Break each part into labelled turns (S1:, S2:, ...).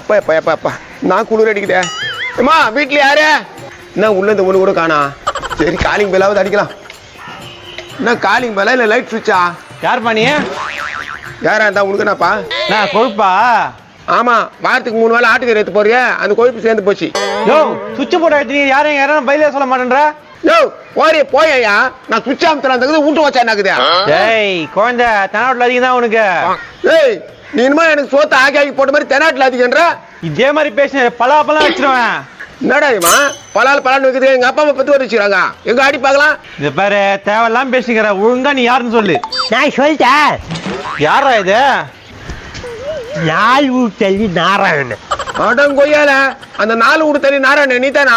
S1: எப்பா எப்பா எப்பா எப்பா நான் குளிர் அடிக்குதே. அம்மா வீட்டில் யாரு? என்ன உள்ள இந்த ஒன்று கூட காணா. சரி காலிங் பெல்லாவது அடிக்கலாம். என்ன காலிங் பெல்லா இல்லை லைட் சுவிட்சா?
S2: யார் பண்ணி?
S1: யாரா இருந்தா உனக்கு என்னப்பா?
S2: நான் கொழுப்பா?
S1: ஆமா, வாரத்துக்கு 3 வேளை ஆட்டுக்கறி எடுத்து போறிய, அந்த கொழுப்பு சேர்ந்து போச்சு.
S2: யோ சுவிட்ச் போட்டு எடுத்து யாரும் பயில சொல்ல மாட்டேன்ற.
S1: யோ ஓரே போயா, நான் சுவிட்ச் அமுத்துறதுக்கு வீட்டு வச்சா என்னக்குது?
S2: ஏய் குழந்தை தெனாவட்டில் அதிகம் தான் உனக்கு.
S1: ஏய் நீ இனிமே எனக்கு சோத்த ஆக்கி போட்ட மாதிரி தெனாட்டில் அதிகன்ற. இதே
S2: மாதிரி பேச பலாப்பெல்லாம் வச்சிருவேன்.
S1: என்னடா இவன் பலால் பலான்னு வைக்கிறது? எங்க அப்பா அம்மா பத்து வர வச்சுக்கிறாங்க, எங்க ஆடி பார்க்கலாம்.
S2: இது பாரு தேவையெல்லாம் பேசிக்கிற, ஒழுங்கா நீ யாருன்னு சொல்லு.
S3: நான் சொல்லிட்டேன்.
S2: யாரா இது?
S3: நாலு வீடு தள்ளி நாராயணன்.
S1: அடங்கொய்யால அந்த 4 வீடு தள்ளி நாராயணன் நீ தானா?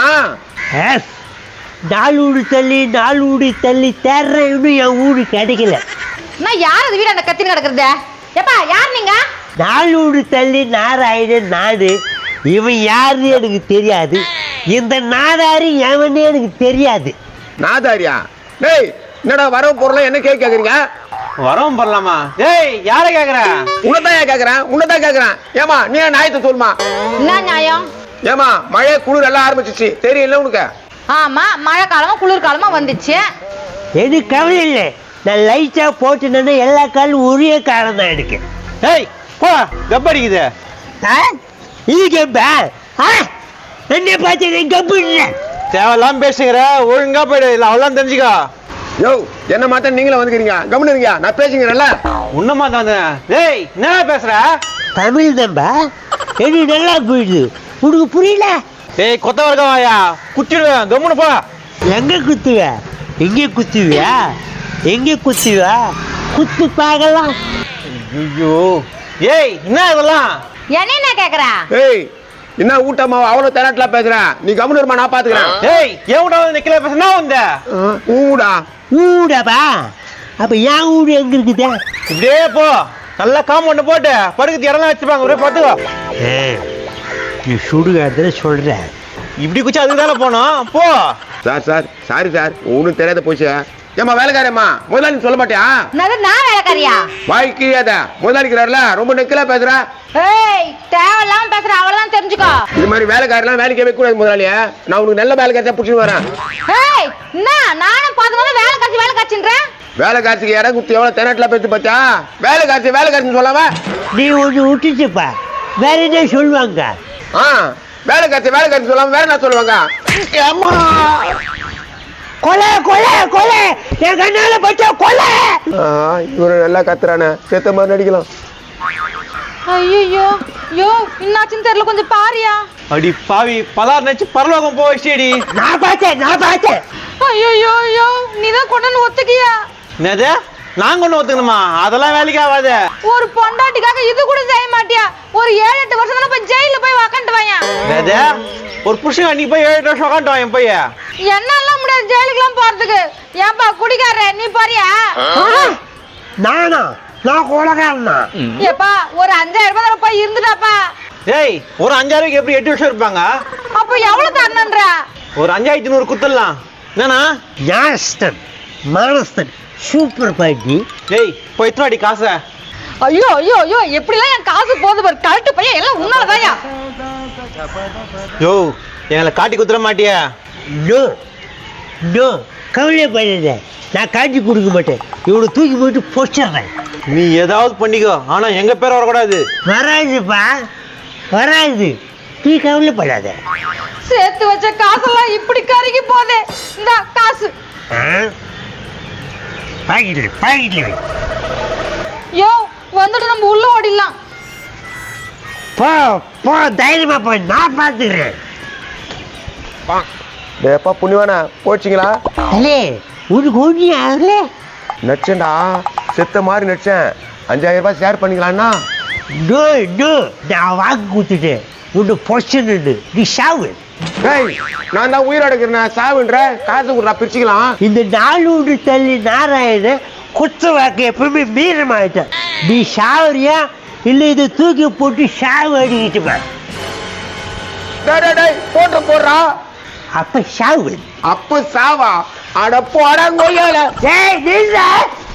S3: நாலு வீடு தள்ளி தேர்றேன், இன்னும் என் வீடு கிடைக்கல.
S4: நான் யார் அது வீடு அந்த கத்தின்னு கிடக்குறது? எப்பா யார் நீங்க?
S3: 4 வீடு தள்ளி நாராயணன் நாடு. இவன் யாருன்னு எனக்கு தெரியாது, இந்த நாதாரி எவனே எனக்கு தெரியாது.
S1: நாதாரியா? டேய் என்னடா வரவு பொருள் என்ன கேக்குறீங்க?
S2: வரவும் பண்ணலாமா? ஏய் யார கேக்குற?
S1: உன்னதான் கேக்குறேன். ஏமா நீ நியாயத்தை சொல்லுமா.
S4: என்ன நியாயம்?
S1: ஏமா மழை குளிர் எல்லாம் ஆரம்பிச்சிச்சு தெரியல உனக்கு?
S4: ஆமா, மழை காலமா குளிர் காலமா வந்துச்சு.
S3: எனக்கு கவலை இல்லை, நான் லைட்டா போட்டுனா எல்லா காலும் ஒரே காலம் தான் எனக்கு.
S2: ஏய் போ கப்படிக்குது.
S3: இது கப்பா? என்ன பார்த்து கப்பு இல்லை.
S2: தேவையெல்லாம் பேசுகிற, ஒழுங்கா போயிடு, இல்லை அவ்வளோதான் தெரிஞ்சுக்கோ.
S1: யோ என்ன மாத்த நீங்களும் வந்துக்கிறீங்க, கவனிங்க நான் பேசுங்கிறேன்ல.
S2: உன்னமா தான். ஏய் என்ன பேசுற?
S3: தமிழ் தம்பா எனக்கு நல்லா போயிடுது, உனக்கு புரியல?
S2: ஏய் கொத்த வர்க்கமாயா குத்திடுவேன், கம்முன்னு போ.
S3: எங்க குத்துவியா? குத்து பார்க்கலாம்.
S2: ஐயோ ஏய் என்ன இதெல்லாம்?
S4: என்ன கேக்குற?
S1: ஏய் என்ன ஊட்டமா அவ்வளவு தெனாட்டில பேசுறேன், நீ கவனிருமா நான் பாத்துக்கிறேன்.
S2: ஏய் ஏன் விட நிக்கல பேசுனா வந்த
S3: ஊடாப்பா? அப்ப என் ஊடு எங்க இருக்குது?
S2: இப்படியே போ, நல்லா காம்பவுண்ட் போட்டு படுக்கிறது இடம்லாம் வச்சுப்பாங்க, ஒரே பார்த்துக்கோ.
S3: நீ சுடுகாடுல சொல்ற,
S2: இப்படி குச்சி அதுக்கு தானே போனோம், போ.
S1: சார் சாரி சார், ஒன்றும் தெரியாத போச்சு. ஏமா வேலைக்காரம்மா முதலாளி சொல்ல மாட்டியா?
S4: நான் வேலைக்காரியா?
S1: வாய்க்கியாத முதலாளிக்கிறாருல ரொம்ப நெக்கலா பேசுற.
S4: ஏய் தேவையில்லாம பேசுற, அவளதான் தெரிஞ்சுக்கோ.
S1: இது மாதிரி வேலைக்காரெல்லாம் வேலைக்கு வைக்க கூடாது முதலாளிய. நான் உனக்கு நல்ல வேலைக்காரத்தை பிடிச்சிட்டு வரேன்.
S4: ஏய் என்ன நானும் பாத்து வேலை காட்சின்றேன்.
S1: வேலைக்காரத்துக்கு இடம் குத்தி எவ்வளவு தெனாட்டில பேசி பார்த்தா? வேலைக்காரன்னு சொல்லாம
S3: நீ ஒன்று விட்டுச்சுப்பா, வேற என்ன சொல்லுவாங்க?
S1: வேலைக்காரத்து சொல்லாம வேற என்ன சொல்லுவாங்க?
S3: கொலை என் கண்ணால பச்சா கொலை.
S1: இவரு நல்லா கத்துறானே, செத்த மாதிரி நடிக்கலாம்.
S4: ஐயோ என்னாச்சுன்னு தெரியல, கொஞ்சம் பாரியா.
S2: அடி பாவி, பலார் நினைச்சு பரலோகம் போயிடுடி.
S3: நான் பார்த்தேன்.
S4: ஐயோ நீதான் கொண்டு ஒத்துக்கியா?
S2: என்னது நான் கொண்டு ஒத்துக்கணுமா? அதெல்லாம் வேலைக்கு ஆகாது.
S4: ஒரு பொண்டாட்டிக்காக இது கூட செய்ய மாட்டியா? ஒரு 7-8 வருஷம் தானே போய் ஜெயில போய் உக்காந்துட்டு வாயா.
S2: என்னது ஒரு புருஷன் அன்னைக்கு போய் 7 வருஷம் உக்காந்துட்டு வாங்க போய்.
S4: என்னால முடியாது ஜெயிலுக்குலாம் போறதுக்கு. ஏன்பா குடிக்கார நீ பாரியா?
S3: நான் கொலைகாரனா?
S4: ஏப்பா ஒரு 5000 ரூபாய் போய் இருந்துட்டாப்பா.
S2: ஏய் ஒரு 5000 எப்படி 8 வருஷம் இருப்பாங்க?
S4: அப்ப எவ்வளவு தரணும்ன்ற? ஒரு
S2: 5100 குத்துடலாம். என்னன்னா
S3: மானஸ்தன் சூப்பர் பாட்டி.
S2: ஏய் போய் எத்தனை காசு?
S4: ஐயோ எப்படிலாம் என் காசு போகுது பாரு, கரெக்ட் பையன் எல்லாம் உன்னாலதாயா.
S2: யோ எங்களை காட்டி குத்துற மாட்டியா?
S3: நோ கவலைப்படாத, நான் காட்டி கொடுக்க மாட்டேன். இவனை தூக்கி போயிட்டு போச்சிடுறேன்.
S2: நீ ஏதாவது பண்ணிக்கோ, ஆனா எங்க பேர் வரக்கூடாது.
S3: வராது, நீ கவலைப்படாத.
S4: சேர்த்து வச்ச காசெல்லாம் இப்படி கருகி போதே. இந்த காசு
S3: பாக்கெட்ல
S4: யோ வந்துட்டு நம்ம உள்ள ஓடிடலாம்.
S3: போ தைரியமா போ, நான் பாத்துக்கிறேன்.
S1: டேப்பா புண்ணியவானா போச்சுங்களா?
S3: அலே உனக்கு ஒண்ணு ஆகல.
S1: நடிச்சேன்டா, செத்த மாதிரி நடிச்சேன். 5000 ரூபாய் ஷேர் பண்ணிக்கலாம்னா?
S3: நான் வாங்கி கொடுத்துட்டேன். உன்னை பொசன்னு நீ சாவு.
S1: நான் தான் உயிரோடுக்கிறேன், சாவுன்ற காசு கொடுறா பிரிச்சுக்கலாம்.
S3: இந்த 4 வீடு தள்ளி நாராயண குத்த வாக்கு எப்பவுமே மீறமாயிட்டேன். நீ சாவரியா இல்லை இதை தூக்கி போட்டு சாவு அடிக்கிட்டு
S1: போடுறா.
S3: அப்ப சாவு.
S1: அப்ப சாவா? அட போடா கொய்யால.
S3: ஏய்